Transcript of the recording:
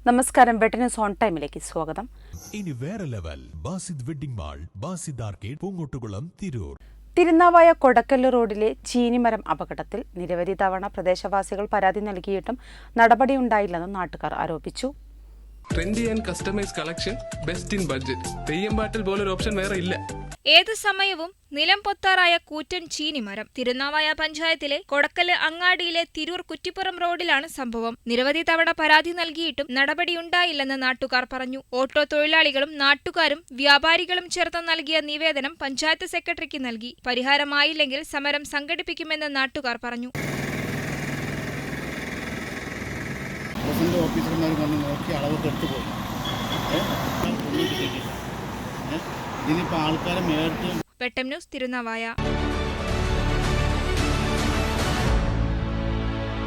നമസ്കാരം, വെട്ടന്യൂസ് ഓൺ ടൈമിലേക്ക് സ്വാഗതം. ഇനി വേറെ level Basid wedding mall, Basid arcade, Poongottukulam, Tirur. Thirunavaya Kodakkal റോഡിലെ ചീനിമരം അപകടത്തിൽ നിരവധി തവണ പ്രദേശവാസികൾ പരാതി നൽകിയിട്ടും നടപടിയുണ്ടായില്ലെന്ന് നാട്ടുകാർ ആരോപിച്ചു. Trendy and customise collection, best in budget. Theyyam പാട്ടിൽ പോലൊരു ഓപ്ഷൻ വേറെ ഇല്ല. ഏത് സമയവും നിലം പൊത്താറായ കൂറ്റൻ ചീനിമരം. തിരുനാവായ പഞ്ചായത്തിലെ കൊടക്കല് അങ്ങാടിയിലെ തിരൂർ കുറ്റിപ്പുറം റോഡിലാണ് സംഭവം. നിരവധി തവണ പരാതി നൽകിയിട്ടും നടപടിയുണ്ടായില്ലെന്ന് നാട്ടുകാർ പറഞ്ഞു. ഓട്ടോ തൊഴിലാളികളും നാട്ടുകാരും വ്യാപാരികളും ചേർത്ത് നൽകിയ നിവേദനം പഞ്ചായത്ത് സെക്രട്ടറിക്ക് നൽകി. പരിഹാരമായില്ലെങ്കിൽ സമരം സംഘടിപ്പിക്കുമെന്ന് നാട്ടുകാർ പറഞ്ഞു. ഓഫീസർമാർ വന്ന് നോക്കി അളവൊക്കെ എടുത്തു പോയി. ഇതിനിപ്പോൾ ആൾക്കാരെ മേടിച്ച് വെട്ടം ന്യൂസ് തിരുനാവായ.